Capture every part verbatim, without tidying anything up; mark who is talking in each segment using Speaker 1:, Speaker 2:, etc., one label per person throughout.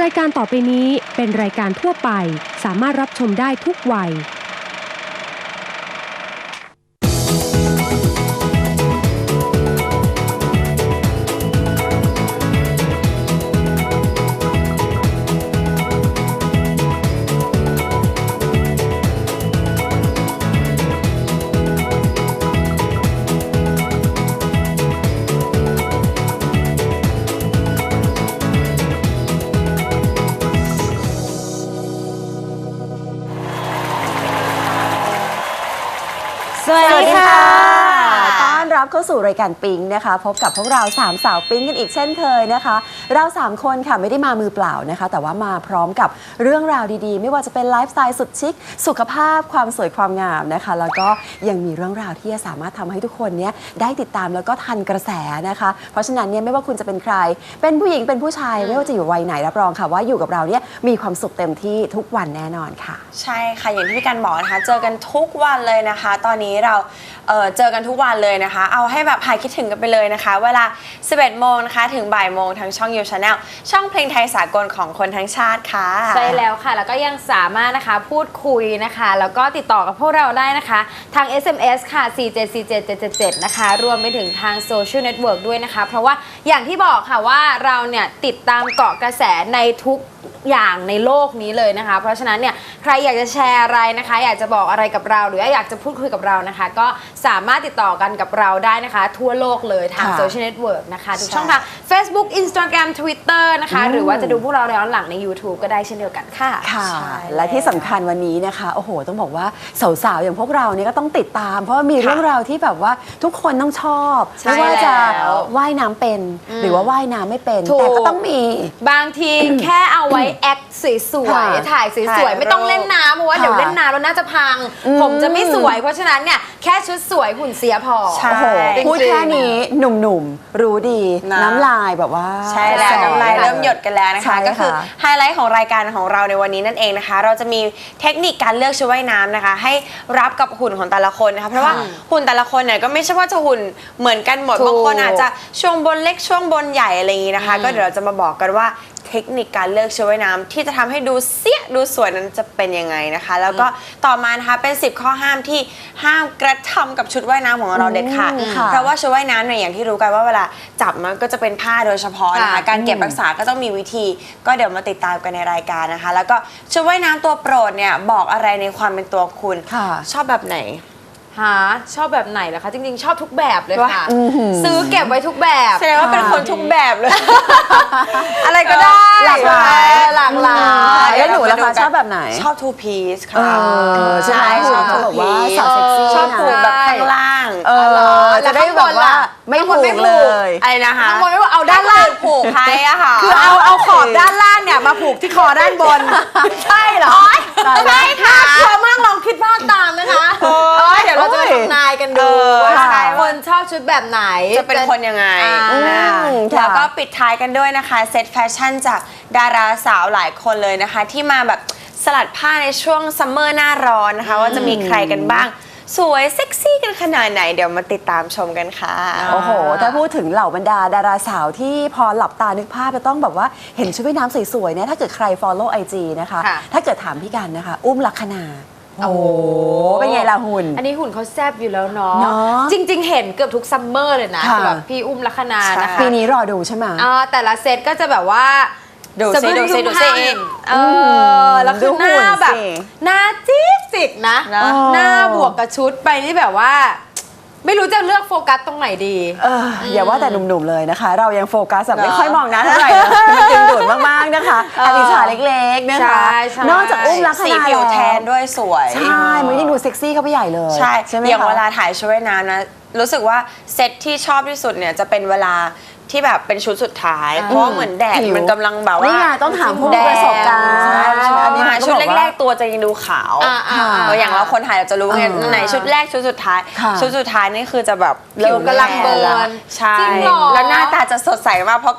Speaker 1: ายการต่อไปนี้เป็นรายการทั่วไปสามารถรับชมได้ทุกวัย
Speaker 2: สวัสดีค่ะต้อนรับเข้าสู่รายการปิ๊งนะคะพบกับพวกเราสามสาวปิ๊งกันอีกเช่นเคยนะคะเราสามคนค่ะไม่ได้มามือเปล่านะคะแต่ว่ามาพร้อมกับเรื่องราวดีๆไม่ว่าจะเป็นไลฟ์สไตล์สุดชิคสุขภาพความสวยความงามนะคะแล้วก็ยังมีเรื่องราวที่จะสามารถทำให้ทุกคนเนี้ยได้ติดตามแล้วก็ทันกระแสนะคะเพราะฉะนั้นเนี่ยไม่ว่าคุณจะเป็นใครเป็นผู้หญิงเป็นผู้ชายไม่ว่าจะอยู่วัยไหนรับรองค่ะว่าอยู่กับเราเนี่ยมีความสุขเต็มที่ทุกวันแน่นอนค่ะ
Speaker 3: ใช่ค่ะอย่างที่พี่กันบอกนะคะเจอกันทุกวันเลยนะคะตอนนี้เราเอ่อเจอกันทุกวันเลยนะคะเอาให้แบบหายคิดถึงกันไปเลยนะคะเวลา สิบเอ็ดโมงนะคะถึงบ่ายโมงทางช่อง You Channel ช่องเพลงไทยสากลของคนทั้งชาติค่ะ
Speaker 4: ใช่แล้วค่ะแล้วก็ยังสามารถนะคะพูดคุยนะคะแล้วก็ติดต่อกับพวกเราได้นะคะทาง เอส เอ็ม เอส ค่ะสี่ เจ็ด สี่ เจ็ด เจ็ด เจ็ด เจ็ดนะคะรวมไปถึงทางโซเชียลเน็ตเวิร์กด้วยนะคะเพราะว่าอย่างที่บอกค่ะว่าเราเนี่ยติดตามเกาะกระแสในทุกอย่างในโลกนี้เลยนะคะเพราะฉะนั้นเนี่ยใครอยากจะแชร์อะไรนะคะอยากจะบอกอะไรกับเราหรืออยากจะพูดคุยกับเรานะคะก็สามารถติดต่อกันกับเราได้นะคะทั่วโลกเลยทางโซเชียลเน็ตเวิร์กนะคะทุกช่องทาง Facebook Instagram Twitter นะคะหรือว่าจะดูพวกเราย้อนหลังใน YouTube ก็ได้เช่นเดียวกันค่ะ
Speaker 2: ค่ะและที่สำคัญวันนี้นะคะโอ้โหต้องบอกว่าสาวๆอย่างพวกเราเนี่ยก็ต้องติดตามเพราะว่ามีเรื่องราวที่แบบว่าทุกคนต้องชอบไม่ว่าจะว่ายน้ำเป็นหรือว่าว่ายน้ำไม่เป็นแต่ก็ต้องมี
Speaker 4: บางทีแค่เอาไว้แอคสวยๆถ่ายสวยๆไม่ต้องเล่นน้ำเพราะว่าเดี๋ยวเล่นน้ำแล้วน่าจะพังผมจะไม่สวยเพราะฉะนั้นเนี่ยแค่ชุดสวยหุ่นเสียพอ
Speaker 2: โอ้โหพูดแค่นี้หนุ่มๆรู้ดีน้ำลายแบบว่า
Speaker 3: ใช่แล้วน้ำลายเริ่มหยดกันแล้วนะคะก็คือไฮไลท์ของรายการของเราในวันนี้นั่นเองนะคะเราจะมีเทคนิคการเลือกชุดว่ายน้ำนะคะให้รับกับหุ่นของแต่ละคนนะคะเพราะว่าหุ่นแต่ละคนเนี่ยก็ไม่ใช่ว่าจะหุ่นเหมือนกันหมดบางคนอาจจะช่วงบนเล็กช่วงบนใหญ่อะไรอย่างนี้นะคะก็เดี๋ยวเราจะมาบอกกันว่าเทคนิคการเลือกชุดว่ายน้ำที่จะทำให้ดูเสี้ยดูสวยนั้นจะเป็นยังไงนะคะแล้วก็ต่อมานะคะเป็นสิบข้อห้ามที่ห้ามกระทำกับชุดว่ายน้ำของเราเด็ดขาดเพราะว่าชุดว่ายน้ำเนี่ยอย่างที่รู้กันว่าเวลาจับมันก็จะเป็นผ้าโดยเฉพาะนะคะการเก็บรักษาก็ต้องมีวิธีก็เดี๋ยวมาติดตามกันในรายการนะคะแล้วก็ชุดว่ายน้ำตัวโปรดเนี่ยบอกอะไรในความเป็นตัวคุณชอบแบบไหน
Speaker 4: ฮะชอบแบบไหนล่ะคะจริงๆชอบทุกแบบเลยค่ะซื้อเก็บไว้ทุกแบบ
Speaker 3: แสดงว่าเป็นคนทุกแบบเลยอะไรก็ได้
Speaker 2: หลากหลาย
Speaker 4: หลากหลาย
Speaker 2: แล้วหนูล่ะคะชอบแบบไหน
Speaker 3: ชอบทูพีซค่ะ
Speaker 2: ใช่ชอบเขาบอกว่าสาวเซ็กซี่
Speaker 3: ชอบผูกแบบข้างล่าง
Speaker 2: จะได้แบบว่าไม่ผูกเลย
Speaker 3: อะไรนะคะ
Speaker 4: ข้างบนไม่ผูกเอาด้านล่าง
Speaker 3: ผูกไทยอะค่ะ
Speaker 4: คือเอาเอาขอบด้านล่างเนี่ยมาผูกที่คอด้านบนใช่เหรอใช่ค่ะกลัวมากลองคิดภาพตามนะคะเดี๋ยวเราจะมาทำนายกันดูว่าคนชอบชุดแบบไหน
Speaker 3: จะเป็นคนยังไงแล้วก็ปิดท้ายกันด้วยนะคะเซตแฟชั่นจากดาราสาวหลายคนเลยนะคะที่มาแบบสลัดผ้าในช่วงซัมเมอร์หน้าร้อนนะคะว่าจะมีใครกันบ้างสวยเซ็กซี่กันขนาดไหนเดี๋ยวมาติดตามชมกันค่ะ
Speaker 2: โอ้โหถ้าพูดถึงเหล่าบรรดาดาราสาวที่พอหลับตานึกภาพจะต้องแบบว่าเห็นชุดว่ายน้ำสวยๆเนี่ยถ้าเกิดใคร follow ไอ จี นะคะถ้าเกิดถามพี่กันนะคะอุ้มลักษณาโอ้โหเป็นไงล่ะหุ่น
Speaker 4: อันนี้หุ่นเขาแซ่บอยู่แล้วเนาะจริงๆเห็นเกือบทุกซัมเมอร์เลยนะสำหรับพี่อุ้มลักษณานะคะ
Speaker 2: ปีนี้รอดูใช่ไหม
Speaker 4: อ่าแต่ละเซตก็จะแบบว่า
Speaker 3: ดูซิดูซิดูซิ
Speaker 4: เออแล้วคือหน้าแบบหน้าจิ๊กจิกนะหน้าบวกกับชุดไปนี่แบบว่าไม่รู้จะเลือกโฟกัสตรงไหนดี
Speaker 2: เอออย่าว่าแต่หนุ่มๆเลยนะคะเรายังโฟกัสแบบไม่ค่อยมองนะเท่าไหร่ดึงดูดมากๆนะคะอลิชาเล็กๆนะคะนอกจากอุ้มลักษณะ
Speaker 3: สีผิวแทนด้วยสวย
Speaker 2: ใช่มันยิ่งดูเซ็กซี่เข้าไปใหญ่เลย
Speaker 3: ใช่อย่างเวลาถ่ายชุดว่ายน้ำนะรู้สึกว่าเซตที่ชอบที่สุดเนี่ยจะเป็นเวลาที่แบบเป็นชุดสุดท้ายเพราะเหมือนแดดมันกำลังแบบว่า
Speaker 2: นี่ไงต้องถามผู้มีประสบการณ์
Speaker 3: อันนี้ชุดแรกๆตัวจะยังดูขาวอย่างเราคนถ่ายเราจะรู้ไงไหนชุดแรกชุดสุดท้ายชุดสุดท้ายนี่คือจะแบบ
Speaker 4: เริ่มกำลังเบิร์น
Speaker 3: ใช่แล้วหน้าตาจะสดใสมากเพราะ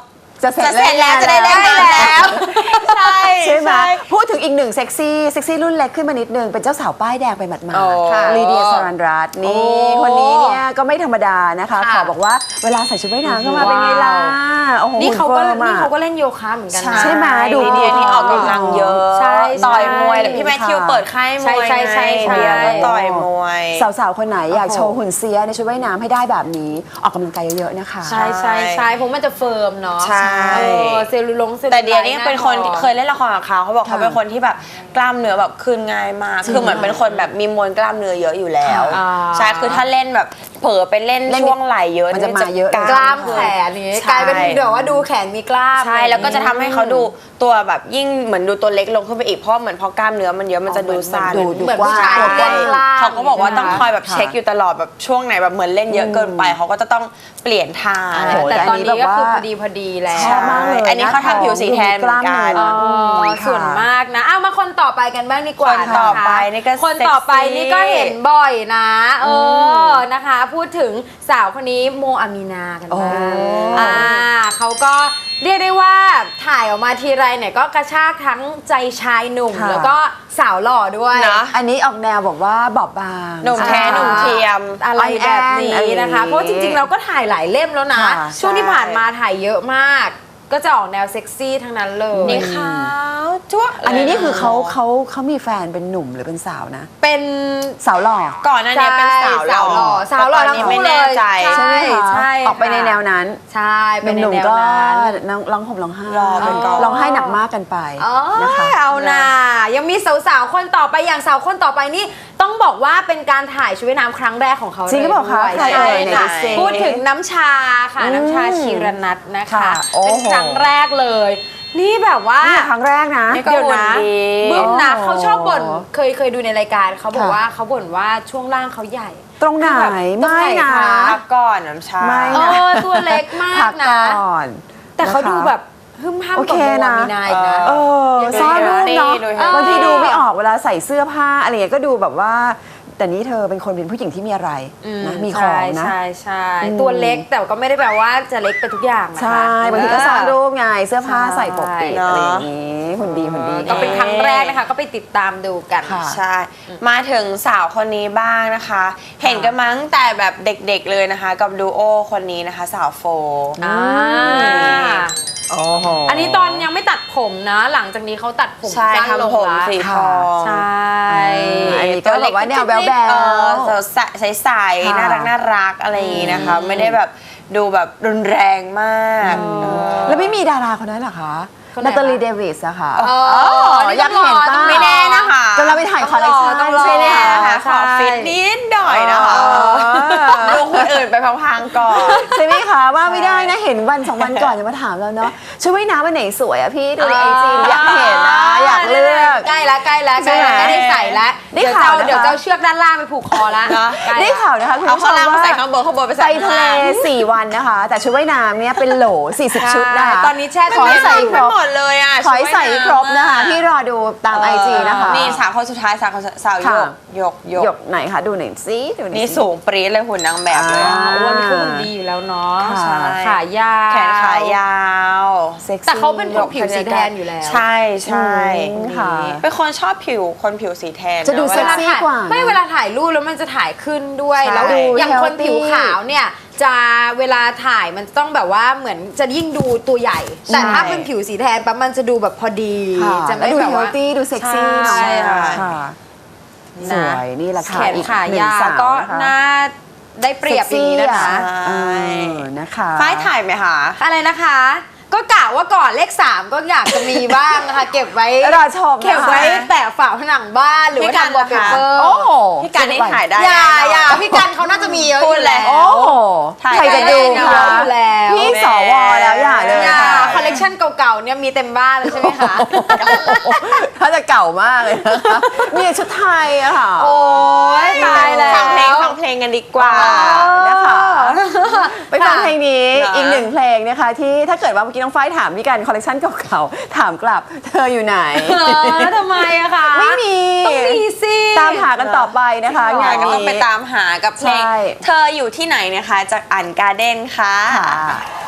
Speaker 2: จะเสร็จ
Speaker 3: จะเสร็จแล้ว
Speaker 2: แล้ว
Speaker 3: จะได้เล่นน้ำแล้ว ใช่
Speaker 2: ใช่ไหมพูดถึงอีกหนึ่งเซ็กซี่เซ็กซี่รุ่นเล็กขึ้นมานิดนึงเป็นเจ้าสาวป้ายแดงไปหมาด
Speaker 3: โอ้
Speaker 2: ๆลีเดียสรันรัตน์นี่
Speaker 4: โอ้
Speaker 2: คนนี้เนี่ยก็ไม่ธรรมดานะคะ
Speaker 4: ค่ะ
Speaker 2: ขอบอกว่าเวลาใส่ชุดว่ายน้ำเข้ามาเป็นไงล่ะโอ้โห
Speaker 4: นี่เขาก็
Speaker 2: หุ่ฟิร์มอะ
Speaker 4: นี่เขาก็เล่นโยคะเหมือนกันนะ
Speaker 2: ใช่ไหมดู
Speaker 3: ลีเดียที่ออกกำลังเยอะ
Speaker 4: ใช่ใช่
Speaker 3: ต่อยมวยแล้วพี่แมทธิวเปิดค่ายมวย
Speaker 4: ใช่ใช่ใช่
Speaker 3: ไงเดียก็ต่อยมวย
Speaker 2: สาวๆคนไหนอยาก
Speaker 4: โอ้โห
Speaker 2: โชว์หุ่นเสียในชุดว่ายน้ำให้ได้แบบนี้ออกกำลังกายเยอะๆนะคะ
Speaker 4: ใช่ใช่ใช่เพราะมันจะเฟิร์มเนาะ
Speaker 3: ใช่
Speaker 4: เออเซลลูลงเซลลูไลท์
Speaker 3: แต่เดียนี่เป็นคน
Speaker 4: หา
Speaker 3: เคยเล่นละครกับเขาเขาบอก
Speaker 2: ค่ะ
Speaker 3: เขาเป็นคนที่แบบกล้ามเนื้อแบบคืนง่ายมาก คือเหมือนเป็นคนแบบมีมวลกล้ามเนื้อเยอะอยู่แล้ว
Speaker 4: อ่า
Speaker 3: ใช่คือถ้าเล่นแบบเผลอไปเล่น
Speaker 2: เล่น
Speaker 3: ช่วงไหล่เยอะ
Speaker 2: มันจะมาเยอะ
Speaker 4: กล้ามแขนนี้
Speaker 3: ใช่
Speaker 4: กลายเป็นเดี๋ยวว่าดูแขนมีกล้าม
Speaker 3: ใช่แล้วก็จะทำให้เขาดูตัวแบบยิ่งเหมือนดูตัวเล็กลงขึ้นไปอีกเพราะเหมือนพอกล้ามเนื้อมันเยอะมันจะดูสั้น
Speaker 2: ดูดู
Speaker 4: เหมือน
Speaker 2: กว้าง
Speaker 4: ผู้ชาย
Speaker 2: ตัวก
Speaker 4: เล่
Speaker 2: ว้าง
Speaker 4: นกล้าม
Speaker 3: เขาก็บอกว่าต้องคอยแบบ
Speaker 2: ค่ะ
Speaker 3: เช็คอยู่ตลอดแบบช่วงไหนแบบเหมือนเล่นเยอะเกินไปเขาก็จะต้องเปลี่ยนท่า
Speaker 2: โอ้โห
Speaker 4: แต่ตอนนี้ก็คือ
Speaker 2: แต่อันนี้แบบว่า
Speaker 4: พอดีพอดีแล้ว
Speaker 2: ชอบมากเลย
Speaker 3: อันนี้เขาทำผิวสีแทนเหมือนกัน
Speaker 2: กล้าม
Speaker 4: อ๋
Speaker 2: เนื้
Speaker 4: อส่วนมากนะเอามาคนต่อไปกันบ้างดีกว่า
Speaker 3: คนต่อไปนี่ก็
Speaker 4: คนต่อไปนี่ก็เห็นบ่อยนะ เออนะคะ พูดถึงสาวคนนี้โมอามีนากันบ้าง
Speaker 2: โอ้
Speaker 4: อ่าเขาก็เรียกได้ว่าถ่ายออกมาทีไรเนี่ยก็กระชากทั้งใจชายหนุ่ม
Speaker 2: ค่ะ
Speaker 4: แล้วก็สาวหล่อด้วย
Speaker 3: นะ
Speaker 2: อันนี้ออกแนวบอกว่าบอบบาง
Speaker 3: หนุ่มแท้หนุ่มเทียม
Speaker 4: อะไรแบบนี้
Speaker 2: อ่อนแอน
Speaker 4: นะคะ
Speaker 2: อะไรอย่างนี้
Speaker 4: เพราะจริงๆเราก็ถ่ายหลายเล่มแล้วนะ
Speaker 2: ค่ะ
Speaker 4: ช่วงที่
Speaker 3: ใช่
Speaker 4: ผ่านมาถ่ายเยอะมาก ก็จะออกแนวเซ็กซี่ทั้งนั้นเลย
Speaker 3: นี่ขาวจ้วะ
Speaker 2: อันนี้นี่คือเขาเขาเขามีแฟนเป็นหนุ่มหรือเป็นสาวนะ
Speaker 4: เป็น
Speaker 2: สาวหล่อ
Speaker 3: ก่อนหน้านี้เป็นสาวหล่อ
Speaker 4: สาวหล่อ
Speaker 3: แต่ตอนนี้ไม่แน่ใจ
Speaker 4: ใช่
Speaker 2: ใช่ไหมคะ
Speaker 4: ใช่
Speaker 2: ออกไปในแนวนั้น
Speaker 4: ใช่เป็
Speaker 2: เป็น น
Speaker 4: ใน
Speaker 2: หนุ่ม
Speaker 4: แนว
Speaker 2: ก็
Speaker 4: นั้น
Speaker 2: น้องร้องห่มร้องไห้
Speaker 3: รอเป็นกอง
Speaker 2: ร้องไห้หนักมากกันไป
Speaker 4: อ๋อ
Speaker 2: นะคะ
Speaker 4: เอานะยังมีสาวๆคนต่อไปอย่างสาวคนต่อไปนี่ต้องบอกว่าเป็นการถ่ายชุดว่ายน้ำครั้งแรกของเขา
Speaker 2: จริงหรือเปล่าคะ
Speaker 4: ด้วย
Speaker 2: ใครเอ่ย
Speaker 4: ใช่ค่ะ
Speaker 2: ไหนดูสิ
Speaker 4: พูดถึงน้ำชาค่ะ
Speaker 2: อืม
Speaker 4: น้ำชาชีรนัทนะคะ
Speaker 2: ค่ะโอ้โห
Speaker 4: เป็นครั้งแรกเลย นี่แบบว่า
Speaker 2: นี่ครั้งแรกนะ
Speaker 3: นี่ก็
Speaker 4: เดี๋ยวนะ
Speaker 3: หุ่นดี
Speaker 4: บึ้มนะ
Speaker 2: โอ้
Speaker 4: เขาชอบบ่นเคยเคยดูในรายการเขาบอก
Speaker 2: ค่ะ
Speaker 4: ว่าเขาบ่นว่าช่วงล่างเขาใหญ่
Speaker 2: ตรงไหน
Speaker 4: แบบตรงไหน
Speaker 2: ไม่นะ
Speaker 4: คะ
Speaker 3: พักก่อนน้ำชา
Speaker 2: ไม่
Speaker 4: เออตัวเล็กมา
Speaker 2: พั
Speaker 4: ก
Speaker 2: ก
Speaker 4: นะ
Speaker 2: ก่อน
Speaker 4: แต่เขา
Speaker 2: นะคะ
Speaker 4: ดูแบบหึมห้าม
Speaker 2: โอ
Speaker 4: กับ
Speaker 2: เค
Speaker 4: โม
Speaker 2: นะ
Speaker 4: อามีนาอีกนะ
Speaker 2: เออ
Speaker 4: ยังไง
Speaker 2: ซ่อนรูปเนาะ
Speaker 3: ดูให้
Speaker 2: บางทีดูไม่ออกเวลาใส่เสื้อผ้าอะไรอย่างเงี้ยก็ดูแบบว่า แต่นี้เธอเป็นคนเป็นผู้หญิงที่มีอะไรนะมีของนะ
Speaker 4: ใช่ใช่
Speaker 2: อืม
Speaker 4: ตัวเล็กแต่ก็ไม่ได้แปลว่าจะเล็กไปทุกอย่างนะคะ
Speaker 2: ใช่บางทีก็ซ่อนรูปไงเสื้อผ้าใส่ปกปิด
Speaker 3: ใช่
Speaker 2: อะไรอย่างงี้หุ่นดีหุ่นดี
Speaker 4: ก็เป็นครั้งแรกนะคะ ก็ไปติดตามดูกัน
Speaker 2: ค่ะ
Speaker 3: ใช่ มาถึงสาวคนนี้บ้างนะคะ เห็นกันมาตั้งแต่แบบเด็กๆเลยนะคะ กับดูโอคนนี้นะคะ สาวโฟ
Speaker 4: อ่า
Speaker 2: โอ้โห
Speaker 4: อันนี้ตอนยังไม่ตัดผมนะ หลังจากนี้เขาตัดผม
Speaker 3: ใช่
Speaker 4: สั้นลง
Speaker 3: ทำผม
Speaker 4: ละ
Speaker 3: สีท
Speaker 2: ค่ะ
Speaker 3: อง
Speaker 4: ใช่
Speaker 2: อันนี้ก็แบบว่าแนวแบ๊วๆ
Speaker 3: เออใสๆ
Speaker 2: ค่ะ
Speaker 3: น่ารักน่ารักอะไรอย่างนี้นะคะ ไม่ได้แบบดูแบบรุนแรงมาก
Speaker 4: เออ
Speaker 2: แล้วไม่มีดาราคนนั้นเหรอคะ
Speaker 4: คนไหน
Speaker 2: นาตาลี
Speaker 4: คะ
Speaker 2: เดวิสอะค่ะ
Speaker 4: อ๋อนี่
Speaker 2: อยากเห็น
Speaker 4: ต้องรอ
Speaker 2: ป้า
Speaker 3: ไม่แน่นะคะ
Speaker 2: จะเราไปถ่ายคอลเลคชัน
Speaker 4: ต้องรอ
Speaker 2: ใช่ไหม
Speaker 3: ไม่แน่
Speaker 2: คะ
Speaker 3: นะคะขอฟิตนิดหน่อยนะคะ
Speaker 2: เออ
Speaker 3: ดูคนอื่นไปพังๆก่อน
Speaker 2: ใช่ไหมคะว่าไม่ได้นะเห็นวันสองวันก่อนจะมาถามเราเนาะชุดว่ายน้ำวันไหนสวยอะพี่ดูในไอจีอยากเห็นนะอยากเลือก
Speaker 4: ใกล้แล้วใกล้แล้วใกล้แล้ว
Speaker 2: ใช่ไหม
Speaker 4: ใกล้ได้ใส่แล้ว
Speaker 2: ได้
Speaker 4: เดี๋ยว
Speaker 2: ข่า
Speaker 4: เจ้าว
Speaker 2: นะคะ
Speaker 4: เดี๋ยวเจ้าเชือกด้านล่างไปผูกคอแล้ว
Speaker 3: นะ
Speaker 4: ใกล้
Speaker 2: ได้
Speaker 4: แล้ว
Speaker 2: ข่าวนะคะคุณ
Speaker 3: เอา
Speaker 2: ผู้ช
Speaker 3: ข้าง
Speaker 2: ม
Speaker 3: ล่างมา
Speaker 2: ว่า
Speaker 3: ใส่ข้างบนข้างบนไป
Speaker 2: ไป
Speaker 3: ใส่ข้าง
Speaker 2: ทะเล
Speaker 3: ล่าง
Speaker 2: สี่วันนะคะ แต่ชุดว่ายน้ำเนี่ยเป็นโหลสี่สิบชุดนะคะ
Speaker 4: ตอนนี้แช่
Speaker 2: ขอให้ใส่
Speaker 3: ไม่
Speaker 2: ครบ
Speaker 3: หมดเลยอ่ะ
Speaker 2: ขอให้ใส่ครบนะคะที่รอดูตามไอจีนะคะ
Speaker 3: นี่สาวคนสุดท้ายสาวคนสุดสาวหย
Speaker 2: ค่ะ
Speaker 3: กหยกหย
Speaker 2: หย
Speaker 3: ก
Speaker 2: กไหนคะดูหน่อยสิดูหน่อย
Speaker 3: นี่
Speaker 2: สิ
Speaker 3: สูงปรี๊ดเลยหุ่นนางแบบเลยอะ
Speaker 2: อ่า
Speaker 4: อ้วนนี่ก็หุ่นดีอยู่แล้วเนาะ
Speaker 2: ค่ะ
Speaker 3: ใช่
Speaker 4: ขายาว
Speaker 3: แขนขายาว
Speaker 2: เซ็กซี่
Speaker 4: แต่เขาเป็นคนผิวสีแทนอยู่แล้ว
Speaker 3: ใช่ใช่
Speaker 2: อืมค่ะ
Speaker 3: เป็นคนชอบผิวคนผิวสีแทน
Speaker 2: จะดู
Speaker 3: น
Speaker 2: เซ็กซี่
Speaker 3: วลา
Speaker 2: กว่า
Speaker 4: ไม่เวลาถ่ายรูปแล้วมันจะถ่ายขึ้นด้วย
Speaker 3: ใช่
Speaker 4: แล้วอย่างคน
Speaker 2: healthy
Speaker 4: ผิวขาวเนี่ยจะเวลาถ่ายมันต้องแบบว่าเหมือนจะยิ่งดูตัวใหญ่ แต่ถ้าเป็นผิวสีแทนปั๊บมันจะดูแบบพอดี
Speaker 2: ค่ะ
Speaker 4: จะ
Speaker 2: แล้ว
Speaker 4: ไม่
Speaker 2: ดู
Speaker 4: แบบ
Speaker 2: เฮล
Speaker 4: ว่า
Speaker 2: ตี้ดูเซ็กซี่หน่อย
Speaker 4: ใช่ค่ะ
Speaker 2: ค่ะสวยนี่แหละค่ะ
Speaker 4: แขน
Speaker 2: อีก
Speaker 4: ขา
Speaker 2: หนึ่ง
Speaker 4: ยาว
Speaker 2: สาว
Speaker 4: ก็
Speaker 2: นะคะ
Speaker 4: น่าได้เปรียบอย่างนี้นะคะ
Speaker 2: เซ็กซี่อเออนะคะ
Speaker 3: ฝ้ายถ่ายไหมคะ
Speaker 4: อะไรนะคะ ก็กะว่าก่อนเลขสามก็อยากจะมีบ้างนะคะ เก็บไว้
Speaker 2: รอชมนะคะ
Speaker 4: เก็บไว้แปะฝาผนังบ้านหรือว่า
Speaker 3: พี่กัน
Speaker 4: ทำวอลเป
Speaker 3: ล่ะคะ
Speaker 4: เปอร์
Speaker 2: โอ้โห
Speaker 3: พี่การนี่ถ่ายได้
Speaker 4: อย่า
Speaker 3: แน่นน
Speaker 4: อย่าพี่กันเขาน่าจะมีเยอะ
Speaker 3: พูด
Speaker 4: อยู่
Speaker 3: แล้
Speaker 4: แล้ว
Speaker 3: ว
Speaker 2: โอ้โห
Speaker 3: ถ่าย
Speaker 2: ใครจะดู
Speaker 3: ได้
Speaker 2: คะ
Speaker 4: อยู่แล้ว
Speaker 2: พี่สวแล้วอย่าเลย
Speaker 4: อย่า
Speaker 2: ค่ะ
Speaker 4: คอลเลกชันเก่าๆเนี่ยมีเต็มบ้านเลยใช่ไหมคะ
Speaker 2: ถ้าจะเก่ามากเลยนะคะนี่ชุดไทยอะค่ะ
Speaker 4: โอ้ยตายแล้ว
Speaker 3: ฟังเพลงฟังเพลงกันดีกว่า
Speaker 2: นะคะไปฟังเพลงนี้
Speaker 3: เหรออี
Speaker 2: อีกหนึ่งเพลงนะคะ ที่ถ้าเกิดว่าเมื่อกี้น้องฝ้ายถามพี่กันคอลเลคชันเก่าๆถามกลับเธออยู่ไหน
Speaker 4: เออทำไมอะคะ
Speaker 2: ไม่มี
Speaker 4: ต้องมีสิ
Speaker 2: ตามหากันต่อไปนะคะ
Speaker 3: งาง
Speaker 2: าน น
Speaker 3: ก็
Speaker 2: นี้
Speaker 3: ต้องไปตามหากับเพลง
Speaker 2: ใช่
Speaker 3: เธออยู่ที่ไหนนะคะจากอันการ์เด้นค่ะ
Speaker 2: ค่ะ